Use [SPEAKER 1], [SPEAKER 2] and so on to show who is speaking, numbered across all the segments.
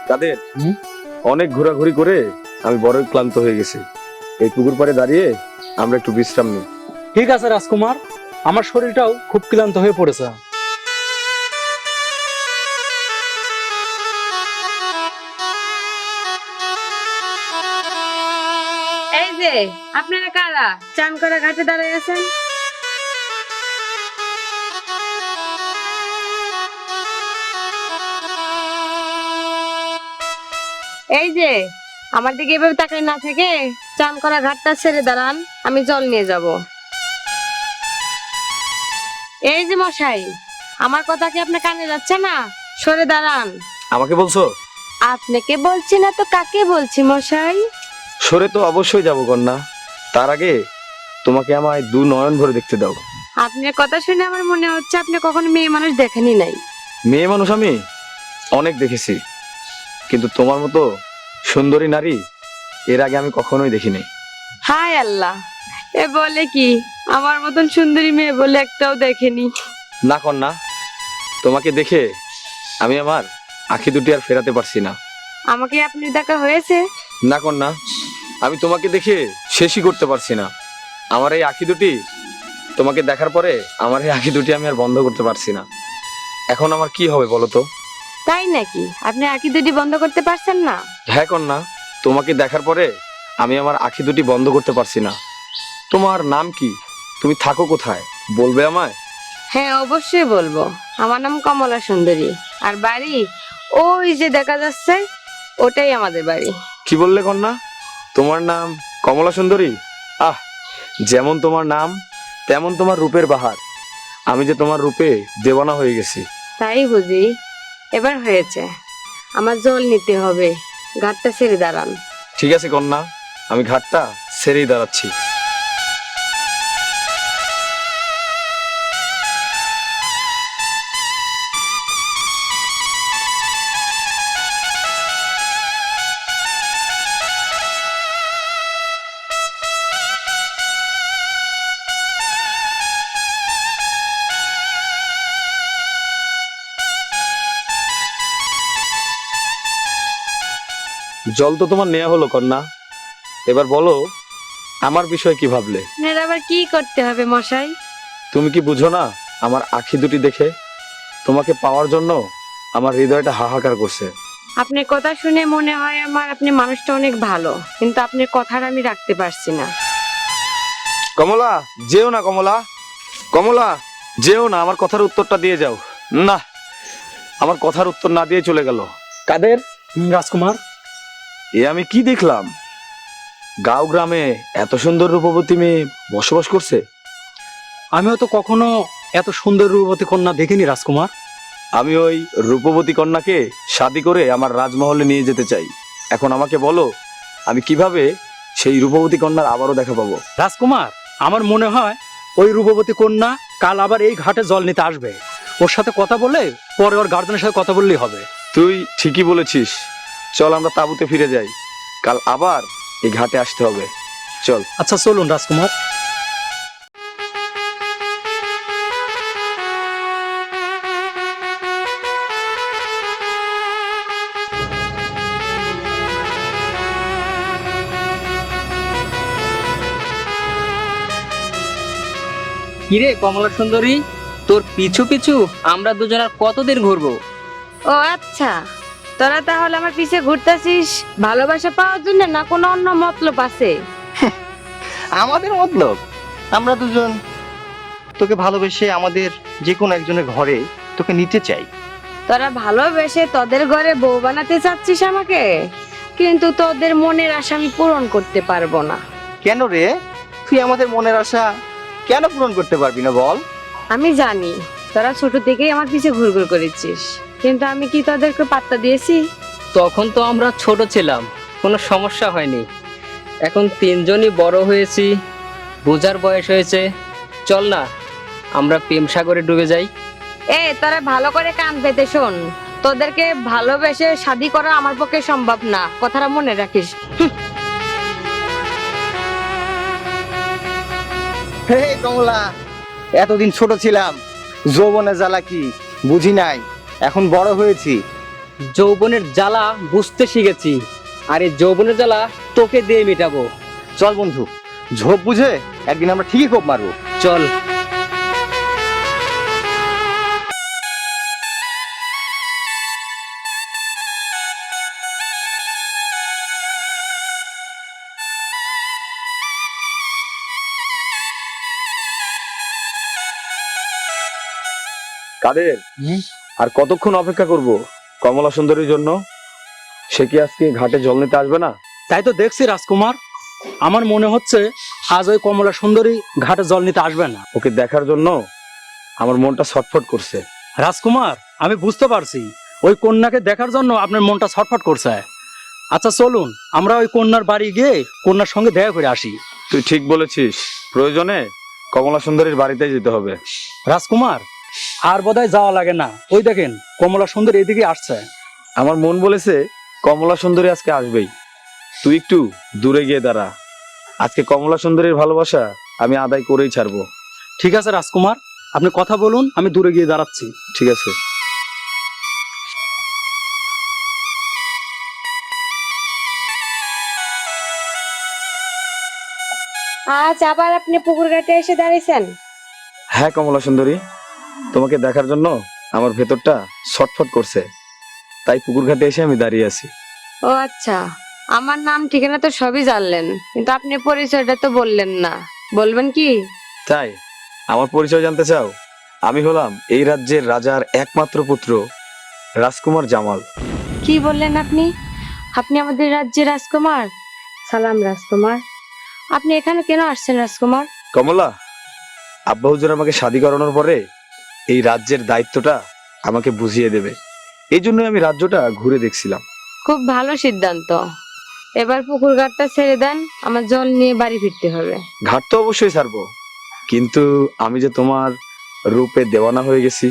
[SPEAKER 1] তাদের অনেক ঘোরাঘুরি করে আমি বড়ই ক্লান্ত হয়ে গেছি। এই পুকুর পাড়ে দাঁড়িয়ে আমরা একটু বিশ্রাম নিই।
[SPEAKER 2] ঠিক আছে রাজকুমার, আমার শরীরটাও খুব ক্লান্ত হয়ে পড়েছে।
[SPEAKER 3] এই যে আপনারা কারা চান করা ঘাটে দাঁড়ায় আছেন? এই যে আমার দিকে এভাবে তাকাই না থেকে চান করা ঘাটটা ছেড়ে দাঁড়ান, আমি জল নিয়ে যাব। এই যে মশাই, আমার কথা কি আপনার কানে যাচ্ছে না? সরে দাঁড়ান।
[SPEAKER 1] আমাকে বলছো?
[SPEAKER 3] আপনাকে বলছি না তো কাকে বলছি মশাই?
[SPEAKER 1] সরে তো অবশ্যই যাবো কন্যা, তার আগে তোমাকে আমায় দু নয়ন ভরে দেখতে দাও।
[SPEAKER 3] আপনার কথা শুনে আমার মনে হচ্ছে আপনি কখনো মেয়ে মানুষ দেখেনি নাই।
[SPEAKER 1] মেয়ে মানুষ আমি অনেক দেখেছি, কিন্তু তোমার মতো সুন্দরী নারী এর আগে আমি কখনোই দেখিনি।
[SPEAKER 3] হায় আল্লাহ, এ বলে কি? আমার মতন সুন্দরী মেয়ে বলে একটাও দেখেনি।
[SPEAKER 1] না কন্যা, তোমাকে দেখে আমি আমার আঁখি দুটি আর ফেরাতে পারছি না।
[SPEAKER 3] আমাকে আপনি দেখা হয়েছে?
[SPEAKER 1] না কন্যা, আমি তোমাকে দেখে শেষই করতে পারছি না। আমার এই আঁখি দুটি তোমাকে দেখার পরে আমার এই আঁখি দুটি আমি আর বন্ধ করতে পারছি না। এখন আমার কি হবে বলো তো?
[SPEAKER 3] তাই নাকি? আপনি আঁকি দুটি বন্ধ করতে পারছেন না?
[SPEAKER 1] হ্যাঁ কন্যা, তোমাকে দেখার পরে আমি আমার আঁখি দুটি বন্ধ করতে পারছি না। তোমার নাম কি? তুমি থাকো কোথায় বলবে আমায়?
[SPEAKER 3] হ্যাঁ অবশ্যই বলবো। আমার নাম কমলা সুন্দরী, আর বাড়ি ওই যে দেখা যাচ্ছে, ওটাই আমাদের বাড়ি।
[SPEAKER 1] কি বললে কন্যা? তোমার নাম কমলা সুন্দরী? আহ, যেমন তোমার নাম তেমন তোমার রূপের বাহার। আমি যে তোমার রূপে দেওয়ানা হয়ে গেছি।
[SPEAKER 3] তাই বুঝি? এবার হয়েছে, আমার জল নিতে হবে, ঘাটটা ছেড়ে দাঁড়ান।
[SPEAKER 1] ঠিক আছে কন্যা, আমি ঘাটটা ছেড়েই দাঁড়াচ্ছি। জল তো তোমার নেওয়া হলো কন্যা, এবার বলো আমার বিষয় কি ভাবলে?
[SPEAKER 3] আপনার আবার কি করতে হবে মশাই?
[SPEAKER 1] তুমি কি বুঝো না? আমার আঁখি দুটি দেখে তোমাকে পাওয়ার জন্য আমার হৃদয়টা হাহাকার করছে।
[SPEAKER 3] আপনার কথা শুনে মনে হয় আমার আপনি মানুষটা অনেক ভালো, কিন্তু আপনার কথাটা আমি রাখতে পারছি না।
[SPEAKER 1] কমলা, যেও না কমলা, কমলা যেও না, আমার কথার উত্তরটা দিয়ে যাও। না, আমার কথার উত্তর না দিয়ে চলে গেল। কাদের?
[SPEAKER 2] রাজকুমার,
[SPEAKER 1] এ আমি কি দেখলাম? গাঁও গ্রামে এত সুন্দর রূপবতী মেয়ে বসবাস করছে।
[SPEAKER 2] আমিও তো কখনো এত সুন্দর রূপবতী কন্যা দেখিনি রাজকুমার।
[SPEAKER 1] আমি ওই রূপবতী কন্যাকে শাদী করে আমার রাজমহলে নিয়ে যেতে চাই। এখন আমাকে বলো, আমি কিভাবে সেই রূপবতী কন্যার আবারও দেখা পাবো?
[SPEAKER 2] রাজকুমার, আমার মনে হয় ওই রূপবতী কন্যা কাল আবার এই ঘাটে জল নিতে আসবে। ওর সাথে কথা বলে পরে ওর গার্জেনের সাথে কথা বললেই হবে।
[SPEAKER 1] তুই ঠিকই বলেছিস, চল আমরা তাঁবুতে ফিরে যাই, কাল আবার এই ঘাটে আসতে হবে। চল।
[SPEAKER 2] আচ্ছা চলুন রাজকুমার।
[SPEAKER 4] কিরে কমলা সুন্দরী, তোর পিছু পিছু আমরা দুজন আর কতদিন ঘুরবো?
[SPEAKER 3] ও আচ্ছা, তোরা তাহলে আমার পিছে ঘুরতেছিস ভালোবাসা পাওয়ার জন্য, না কোনো অন্য মতলব আছে?
[SPEAKER 5] আমাদের মতলব, আমরা দুজন তোকে ভালোবেসে আমাদের যে কোনো একজনের ঘরে তোকে নিতে চাই।
[SPEAKER 3] তোরা ভালোবেসে তোদের ঘরে বউ বানাতে চাচ্ছিস আমাকে, কিন্তু তোদের মনের আশা আমি পূরণ করতে পারবো না।
[SPEAKER 5] কেন রে? তুই আমাদের মনের আশা কেন পূরণ করতে পারবি না বল?
[SPEAKER 3] আমি জানি তোরা ছোট থেকেই আমার পিছে ঘুরঘুর করেছিস, কিন্তু আমি কি তোদেরকে পাত্তা দিয়েছি?
[SPEAKER 4] তখন তো আমরা ছোট ছিলাম, কোনো সমস্যা হয়নি। এখন তিনজনই বড় হয়েছি, বোঝার বয়স হয়েছে। চল না আমরা প্রেম সাগরে ডুবে যাই।
[SPEAKER 3] তোরা ভালো করে কান পেতে শোন, তোদেরকে ভালোবেসে শাদী করা আমার পক্ষে সম্ভব না, কথাটা মনে রাখিস।
[SPEAKER 5] হে কমলা, এতদিন ছোট ছিলাম, যৌবনে জ্বালা কি বুঝি নাই, এখন বড় হয়েছি,
[SPEAKER 4] যৌবনের জ্বালা বুঝতে শিখেছি, আর এই যৌবনের জ্বালা তোকে দিয়ে মেটাবো।
[SPEAKER 5] চল বন্ধু, ঝোপ বুঝে একদিন আমরা ঠিকই কোপ মারবো।
[SPEAKER 4] চল।
[SPEAKER 1] কাদের আর কতক্ষণ অপেক্ষা করব কমলা সুন্দরীর জন্য? সে কি আজকে ঘাটে জল নিতে আসবে না?
[SPEAKER 2] তাই তো দেখছি রাজকুমার, আমার মনে হচ্ছে আজ ওই কমলা সুন্দরী ঘাটে জল নিতে আসবে না।
[SPEAKER 1] ওকে দেখার জন্য আমার মনটা ছটফট করছে।
[SPEAKER 2] রাজকুমার, আমি বুঝতে পারছি ওই কন্যাকে দেখার জন্য আপনার মনটা ছটফট করছে। আচ্ছা চলুন আমরা ওই কন্যার বাড়ি গিয়ে কন্যার সঙ্গে দেখা করে আসি।
[SPEAKER 1] তুই ঠিক বলেছিস, প্রয়োজনে কমলা সুন্দরীর বাড়িতে যেতে হবে।
[SPEAKER 2] রাজকুমার, আর বোধহয় যাওয়া লাগে না, ওই দেখেন কমলা সুন্দরী এদিকে আসছে।
[SPEAKER 1] আমার মন বলেছে কমলা সুন্দরী আজকে আসবেই। তুই একটু দূরে গিয়ে দাঁড়া, আজকে কমলা সুন্দরীর ভালোবাসা আমি আদায় করেই ছাড়বো।
[SPEAKER 2] ঠিক আছে রাজকুমার, আপনি কথা বলুন, আমি দূরে গিয়ে দাঁড়াচ্ছি।
[SPEAKER 1] ঠিক আছে।
[SPEAKER 3] আজ আবার আপনি পুকুর ঘাটে এসে দাঁড়িয়েছেন?
[SPEAKER 1] হ্যাঁ কমলা সুন্দরী, তোমাকে দেখার জন্য আমার ভেতরটা ছটফট করছে, তাই পুকুর ঘাটে এসে আমি দাঁড়িয়ে আছি।
[SPEAKER 3] ও আচ্ছা, আমার নাম ঠিকানা তো সবই জানলেন, কিন্তু আপনি পরিচয়টা তো বললেন না, বলবেন কি?
[SPEAKER 1] তাই আমার পরিচয় জানতে চাও? আমি হলাম এই রাজ্যের রাজার একমাত্র পুত্র রাজকুমার জামাল।
[SPEAKER 3] কি বললেন আপনি? আপনি আমাদের রাজ্যের রাজকুমার? সালাম রাজকুমার, আপনি এখানে কেন আসছেন রাজকুমার?
[SPEAKER 1] কমলা, আব্বা হুজুর আমাকে শাদী করানোর পরে এই রাজ্যের দায়িত্বটা আমাকে বুঝিয়ে দেবে, এই জন্যই আমি রাজ্যটা ঘুরে দেখছিলাম।
[SPEAKER 3] খুব ভালো সিদ্ধান্ত। এবার পুকুর ঘাটটা ছেড়ে দেন, আমার জল নিয়ে বাড়ি ফিরতে হবে।
[SPEAKER 1] ঘাট তো অবশ্যই ছাড়বো, কিন্তু আমি যে তোমার রূপে দেওয়ানা হয়ে গেছি,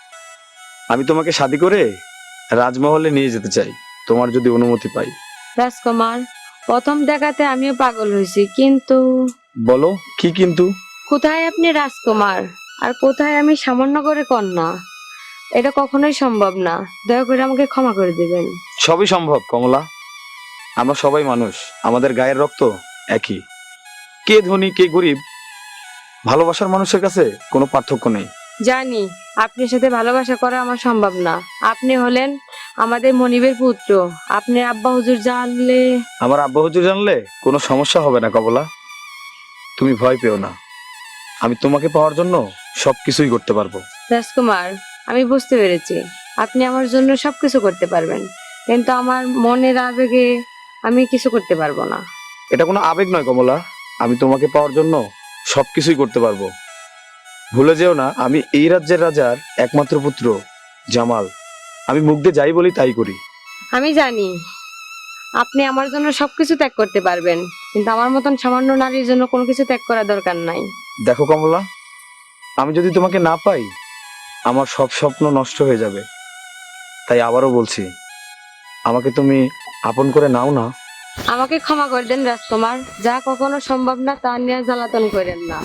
[SPEAKER 1] আমি তোমাকে শাদী করে রাজমহলে নিয়ে যেতে চাই, তোমার যদি অনুমতি পাই।
[SPEAKER 3] রাজকুমার, প্রথম দেখাতে আমিও পাগল হয়েছি, কিন্তু
[SPEAKER 1] বলো কি কিন্তু?
[SPEAKER 3] কোথায় আপনি রাজকুমার আর কোথায় আমি সামান্য করে কন্যা? এটা কখনোই সম্ভব না, দয়া করে আমাকে ক্ষমা করে দিবেন।
[SPEAKER 1] সবই সম্ভব কমলা, আমরা সবাই মানুষ, আমাদের গায়ের রক্ত একই। কে ধনী কে গরিব, ভালোবাসার মানুষের কাছে কোনো পার্থক্য নেই।
[SPEAKER 3] জানি আপনার সাথে ভালোবাসা করা আমার সম্ভব না, আপনি হলেন আমাদের মনিবের পুত্র, আপনি আব্বা হুজুর জানলে।
[SPEAKER 1] আমার আব্বা হুজুর জানলে কোনো সমস্যা হবে না কমলা, তুমি ভয় পেও না, আমি তোমাকে পাওয়ার জন্য সবকিছুই করতে পারবো।
[SPEAKER 3] রাজকুমার, আমি বুঝতে পেরেছি আপনি আমার জন্য সবকিছু করতে পারবেন, কিন্তু আমার মনের আবেগে আমি কিছু করতে পারবো না।
[SPEAKER 1] এটা কোনো আবেগ নয় কমলা, আমি তোমাকে পাওয়ার জন্য সবকিছুই করতে পারবো। ভুলে যেও না, আমি এই রাজ্যের রাজার একমাত্র পুত্র জামাল, আমি মুখ দিয়ে যাই বলি তাই করি।
[SPEAKER 3] আমি জানি আপনি আমার জন্য সবকিছু ত্যাগ করতে পারবেন, কিন্তু আমার মতন সামান্য নারীর জন্য কোনো কিছু ত্যাগ করা দরকার নাই।
[SPEAKER 1] দেখো কমলা, আমি যদি তোমাকে না পাই আমার সব স্বপ্ন নষ্ট হয়ে যাবে, তাই আবারও বলছি আমাকে তুমি আপন করে নাও না।
[SPEAKER 3] আমাকে ক্ষমা করে দেন রাজকুমার, যা কখনো সম্ভব না তা নিয়ে জ্বালাতন করেন না।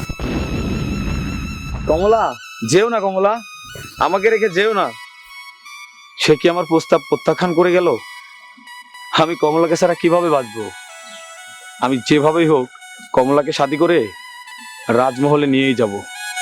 [SPEAKER 1] কমলা, যেও না কমলা, আমাকে রেখে যেও না। সে কি আমার প্রস্তাব প্রত্যাখ্যান করে গেল? আমি কমলাকে ছাড়া কিভাবে বাঁচবো? আমি যেভাবেই হোক কমলাকে শাদী করে রাজমহলে নিয়েই যাব।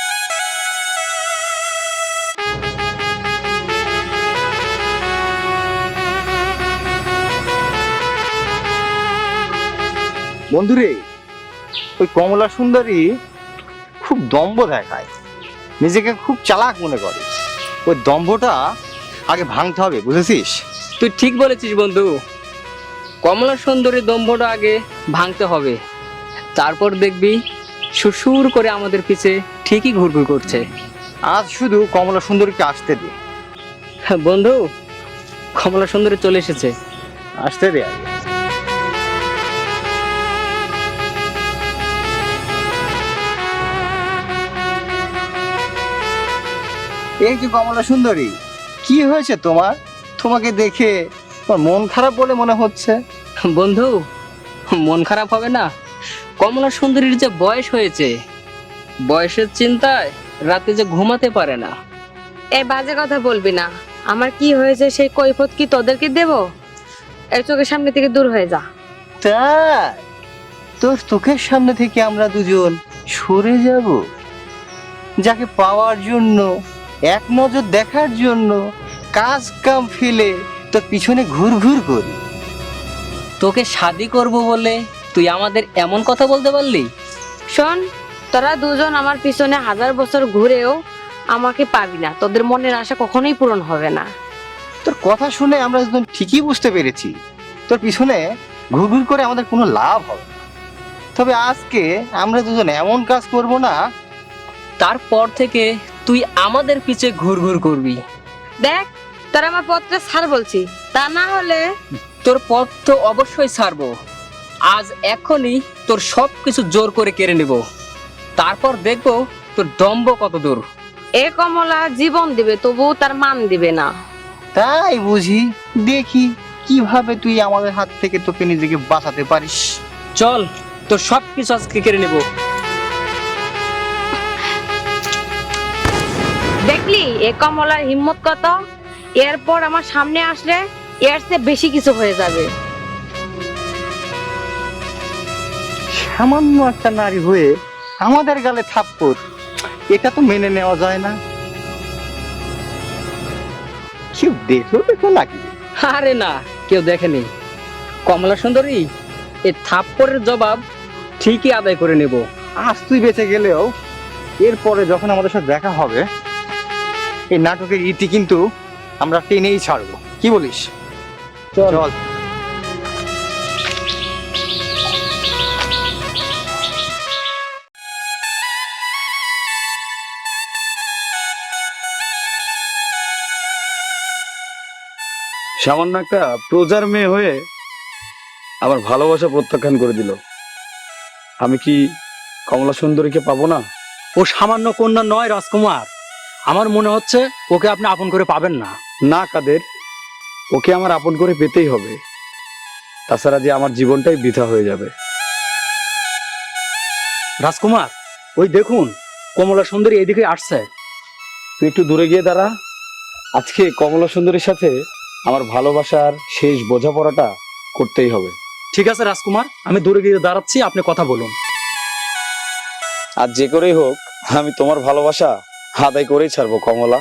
[SPEAKER 5] বন্ধুরে, ওই কমলা সুন্দরী খুব দম্ভ দেখায়, নিজেকে খুব চালাক মনে করে। ওই দম্ভটা আগে ভাঙতে হবে, বুঝেছিস?
[SPEAKER 4] তুই ঠিক বলেছিস বন্ধু, কমলা সুন্দরী দম্ভটা আগে ভাঙতে হবে, তারপর দেখবি সুসুর করে আমাদের পিছে ঠিকই ঘুরঘুর করছে।
[SPEAKER 5] আজ শুধু কমলা সুন্দরীকে আসতে দে।
[SPEAKER 4] বন্ধু, কমলা সুন্দরী চলে এসেছে।
[SPEAKER 5] আসতে দে আগে। এই যে কমলা সুন্দরী, কি হয়েছে তোমার? তোমাকে দেখে তোমার মন খারাপ বলে মনে হচ্ছে।
[SPEAKER 4] বন্ধু, মন খারাপ হবে না? কমলা সুন্দরীর যে বয়স হয়েছে, বয়সের চিন্তায় রাতে যে ঘুমাতে পারে না।
[SPEAKER 3] এই বাজে কথা বলবি না, আমার কি হয়েছে সেই কৈফত কি তোদেরকে দেব? এর চোখের সামনে থেকে দূর হয়ে যা।
[SPEAKER 5] তাই তোর চোখের সামনে থেকে আমরা দুজন সরে যাব? যাকে পাওয়ার জন্য, এক নজর দেখার জন্য কাজ কাম ফেলে তোর পিছনে ঘুর ঘুর করি।
[SPEAKER 4] তোকে শাদি করব বলে তুই আমাদের এমন কথা বলতে পারলি?
[SPEAKER 3] শোন, তোরা দুজন আমার পিছনে 1000 বছর ঘুরেও আমাকে পাবি না। তোদের মনের আশা কখনোই পূরণ হবে না।
[SPEAKER 5] তোর কথা শুনে আমরা দুজন ঠিকই বুঝতে পেরেছি তোর পিছনে ঘুর ঘুর করে আমাদের কোনো লাভ হবে না। তবে আজকে আমরা দুজন এমন কাজ করব না,
[SPEAKER 4] তারপর থেকে তুই আমাদের পিছে ঘুরঘুর করবি।
[SPEAKER 3] দেখ, তোরা আমার পথটা ছাড় বলছি, তা না হলে
[SPEAKER 4] তোর পথ তো অবশ্যই ছাড়বো। আজ এখনই তোর সব কিছু জোর করে কেড়ে নেব, তারপর দেখবো তোর দম্ভ কত দূর।
[SPEAKER 3] এ কমলা জীবন দিবে তবুও তার মান দিবে না।
[SPEAKER 5] তাই বুঝি। দেখি কিভাবে তুই আমাদের হাত থেকে তোকে নিজেকে বাঁচাতে পারিস।
[SPEAKER 4] চল, তোর সব কিছু আজকে কেড়ে নেব।
[SPEAKER 3] দেখলি এ কমলার হিম্মত কত? এরপর আমার সামনে আসলে এর চেয়ে বেশি কিছু হয়ে যাবে।
[SPEAKER 5] সামান্য একটা নারী হয়ে আমাদের গালে থাপ্পড়, এটা তো মেনে নেওয়া যায় না। কেউ দেখো নাকি?
[SPEAKER 4] আরে না, কেউ দেখেনি। কমলা সুন্দরী, এই থাপ্পড়ের জবাব ঠিকই আদায় করে নেব।
[SPEAKER 5] আজ তুই বেঁচে গেলেও এরপরে যখন আমাদের সাথে দেখা হবে, এই নাটকের ইতি কিন্তু আমরা টেনেই ছাড়বো। কি বলিস? চল।
[SPEAKER 1] সামান্য একটা প্রজার মেয়ে হয়ে আমার ভালোবাসা প্রত্যাখ্যান করে দিল। আমি কি কমলা সুন্দরীকে পাবো না?
[SPEAKER 2] ও সামান্য কন্যা নয় রাজকুমার, আমার মনে হচ্ছে ওকে আপনি আপন করে পাবেন না।
[SPEAKER 1] না কাদের, ওকে আমার আপন করে পেতেই হবে, তাছাড়া যে আমার জীবনটাই বৃথা হয়ে যাবে।
[SPEAKER 2] রাজকুমার, ওই দেখুন কমলা সুন্দরী এদিকে আসছে।
[SPEAKER 1] তুই একটু দূরে গিয়ে দাঁড়া। আজকে কমলা সুন্দরীর সাথে আমার ভালোবাসার শেষ বোঝাপড়াটা করতেই হবে।
[SPEAKER 2] ঠিক আছে রাজকুমার, আমি দূরে গিয়ে দাঁড়াচ্ছি, আপনি কথা বলুন।
[SPEAKER 1] আর যে করেই হোক আমি তোমার ভালোবাসা আদায় করেই ছাড়বো কমলা।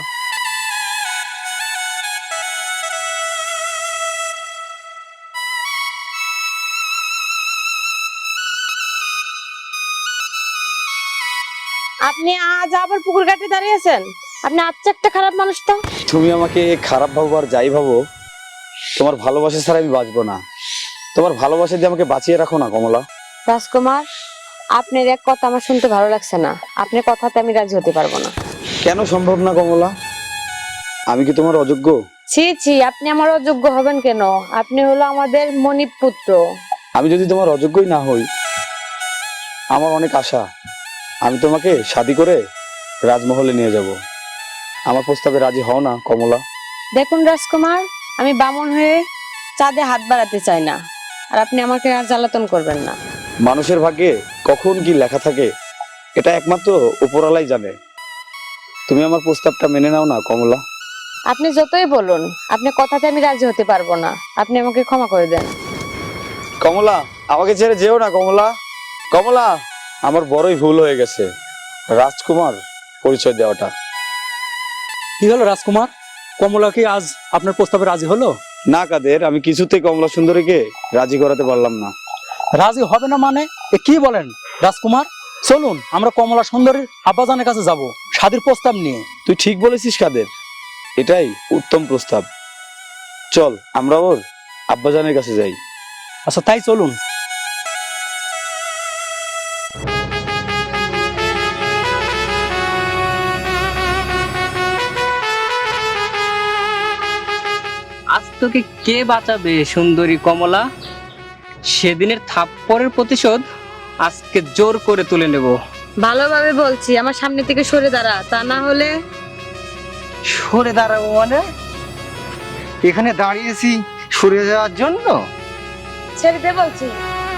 [SPEAKER 3] আপনি আজ আবার পুকুর ঘাটে দাঁড়িয়েছেন? আপনি আচ্ছা একটা খারাপ মানুষ তো।
[SPEAKER 1] তুমি আমাকে খারাপ ভাবো আর যাই ভাবো, তোমার ভালোবাসা ছাড়া আমি বাঁচবো না। তোমার ভালোবাসা দিয়ে আমাকে বাঁচিয়ে রাখো না কমলা।
[SPEAKER 3] রাজকুমার, আপনার এক কথা আমার শুনতে ভালো লাগছে না। আপনার কথাতে আমি রাজি হতে পারবো না।
[SPEAKER 1] কেন সম্ভব না কমলা? আমি কি তোমার অযোগ্য?
[SPEAKER 3] ছি ছি, আপনি আমার অযোগ্য হবেন কেন? আপনি হলো আমাদের মনিব পুত্র।
[SPEAKER 1] আমি যদি তোমার অযোগ্যই না হই, আমার অনেক আশা। আমি তোমাকে শাদি করে রাজমহলে নিয়ে যাব। আমার প্রস্তাবে রাজি হও না কমলা?
[SPEAKER 3] দেখুন রাজকুমার, আমি বামন হয়ে চাঁদে হাত বাড়াতে চাই না, আর আপনি আমাকে আর জ্বালাতন করবেন না।
[SPEAKER 1] মানুষের ভাগ্যে কখন কি লেখা থাকে এটা একমাত্র উপরওয়ালাই জানে। তুমি আমার প্রস্তাবটা মেনে নাও না কমলা।
[SPEAKER 3] আপনি যতই বলুন, আপনার কথাতে আমি রাজি হতে পারবো না। আপনি আমাকে ক্ষমা করে দেন।
[SPEAKER 1] কমলা, আমাকে ছেড়ে যেও না কমলা। কমলা, আমার বড়ই ভুল হয়ে গেছে রাজকুমার পরিচয় দেওয়াটা।
[SPEAKER 2] কি হলো রাজকুমার, কমলা কি আজ আপনার প্রস্তাবে রাজি হলো?
[SPEAKER 1] না কাদের, আমি কিছুতেই কমলা সুন্দরীকে রাজি করাতে পারলাম না।
[SPEAKER 2] রাজি হবে না মানে এ কি বলেন রাজকুমার? চলুন আমরা কমলা সুন্দরীর আব্বাজানের কাছে যাব শাদীর প্রস্তাব নিয়ে।
[SPEAKER 1] তুই ঠিক বলেছিস কাদের, এটাই উত্তম প্রস্তাব। চল আমরা ওর আব্বাজানের কাছে যাই।
[SPEAKER 2] আচ্ছা তাই চলুন।
[SPEAKER 4] আজ তোকে কে বাঁচাবে সুন্দরী কমলা? সেদিনের থাপ্পড়ের প্রতিশোধ আজকে জোর করে তুলে নেব।
[SPEAKER 3] ভালোভাবে বলছি, আমার সামনে থেকে সরে দাঁড়া, তা না হলে।
[SPEAKER 5] সরে দাঁড়াবো মানে? এখানে দাঁড়িয়েছি সরে যাওয়ার জন্য?
[SPEAKER 3] ছেড়ে দে বলছি।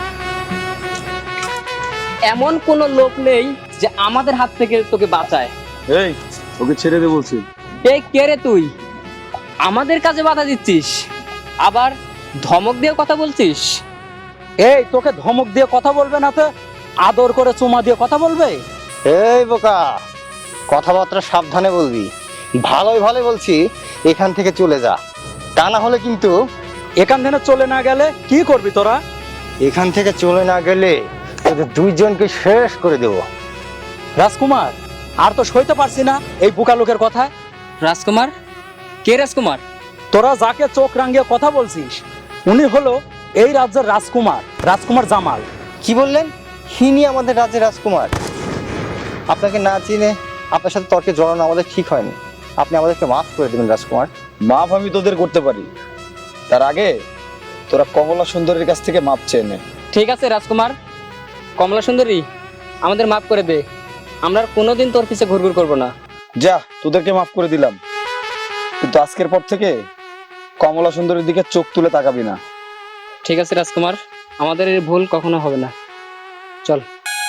[SPEAKER 4] এমন কোনো লোক নেই যে আমাদের হাত থেকে তোকে বাঁচায়।
[SPEAKER 1] এই, ওকে ছেড়ে দে বলছি।
[SPEAKER 4] এই কে রে তুই? আমাদের কাজে বাধা দিচ্ছিস, আবার ধমক দিয়ে কথা বলছিস।
[SPEAKER 2] এই তোকে ধমক দিয়ে কথা বলবে না তো আদর করে চুমা দিয়ে কথা বলবে?
[SPEAKER 5] এই বোকা, কথাবার্তা সাবধানে বলবি। ভালোই ভালো বলছি, এখান থেকে চলে যা, তা না হলে কিন্তু
[SPEAKER 2] এখান থেকে চলে না গেলে কি করবি তোরা?
[SPEAKER 5] এখান থেকে চলে না গেলে তোদের দুইজনকে শেষ করে দেবো।
[SPEAKER 2] রাজকুমার, আর তো সইতে পারছি না এই বোকা লোকের কথা।
[SPEAKER 4] রাজকুমার? কে রাজকুমার?
[SPEAKER 2] তোরা যাকে চোখ রাঙিয়ে কথা বলছিস উনি হলো এই রাজ্যের রাজকুমার, রাজকুমার জামাল।
[SPEAKER 5] কি বললেন? ইনি আমাদের রাজ্যের রাজকুমার? আপনাকে না চিনে আপনার সাথে তর্কে জড়ানো আমাদের ঠিক হয়নি। আপনি আমাদেরকে মাফ করে দেবেন রাজকুমার।
[SPEAKER 1] মাপ আমি তোদের করতে পারি, তার আগে তোরা কমলা সুন্দরীর কাছ থেকে মাপ চেয়ে নে।
[SPEAKER 4] ঠিক আছে রাজকুমার, কমলা সুন্দরী আমাদের মাফ করে দে, আমরা আর কোনোদিন তোর পিছে ঘুরঘুর করবো না।
[SPEAKER 1] যা, তোদেরকে মাফ করে দিলাম, কিন্তু আজকের পর থেকে কমলা সুন্দরীর দিকে চোখ তুলে তাকাবি না।
[SPEAKER 4] ঠিক আছে রাজকুমার, আমাদের এই ভুল কখনো হবে না। চল।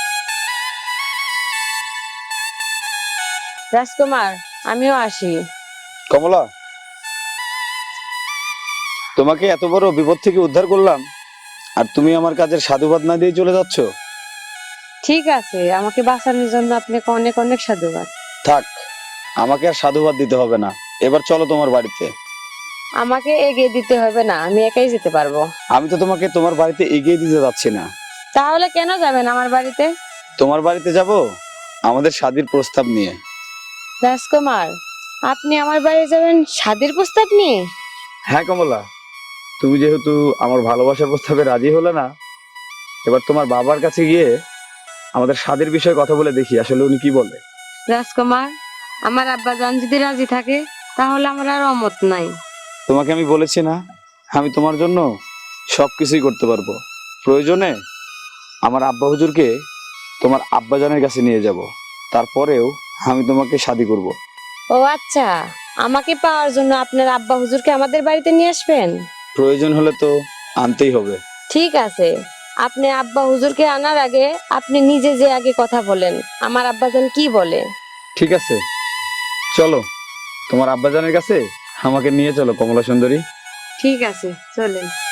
[SPEAKER 3] রাজকুমার, আমিও আসি।
[SPEAKER 1] কমলা, তোমাকে এত বড় বিপদ থেকে উদ্ধার করলাম, আর তুমি আমার কাজের সাধুবাদ না দিয়ে চলে যাচ্ছ।
[SPEAKER 3] ঠিক আছে, আমাকে বাঁচানোর জন্য আপনাকে অনেক অনেক সাধুবাদ।
[SPEAKER 1] থাক, আমাকে আর সাধুবাদ দিতে হবে না, এবার চলো তোমার বাড়িতে।
[SPEAKER 3] আমাকে এগিয়ে দিতে হবে না, আমি একাই যেতে পারবো।
[SPEAKER 1] আমি তো তোমাকে তোমার বাড়িতে এগিয়ে দিতে যাচ্ছি না।
[SPEAKER 3] তাহলে কেন যাবেন আমার বাড়িতে?
[SPEAKER 1] তোমার বাড়িতে যাব আমাদের শাদীর প্রস্তাব নিয়ে।
[SPEAKER 3] রাজকুমার, আপনি আমার বাড়ি যাবেন শাদীর প্রস্তাব নিয়ে?
[SPEAKER 1] হ্যাঁ কমলা, তুমি যেহেতু আমার ভালোবাসার প্রস্তাবে রাজি হলে না, এবার তোমার বাবার কাছে গিয়ে আমাদের শাদীর বিষয়ে কথা বলে দেখি আসলে উনি কি বলে।
[SPEAKER 3] রাজকুমার, আমার আব্বাজান যদি রাজি থাকে তাহলে আমার আর অমত নাই।
[SPEAKER 1] তোমাকে আমি বলেছি না, আমি তোমার জন্য সবকিছুই করতে পারবো। প্রয়োজনে আমার আব্বা হুজুরকে তোমার আব্বাজানের কাছে নিয়ে যাব, তারপরেও আমি তোমাকে শাদী করব।
[SPEAKER 3] ও আচ্ছা, আমাকে পাওয়ার জন্য আপনার আব্বা হুজুরকে আমাদের বাড়িতে নিয়ে আসবেন?
[SPEAKER 1] প্রয়োজন হলে তো আনতেই হবে।
[SPEAKER 3] ঠিক আছে, আপনি আব্বা হুজুরকে আনার আগে আপনি নিজে যে আগে কথা বলেন, আমার আব্বাজান কি বলে।
[SPEAKER 1] ঠিক আছে, চলো তোমার আব্বাজানের কাছে আমাকে নিয়ে চলো কমলা সুন্দরী।
[SPEAKER 3] ঠিক আছে, চলেন।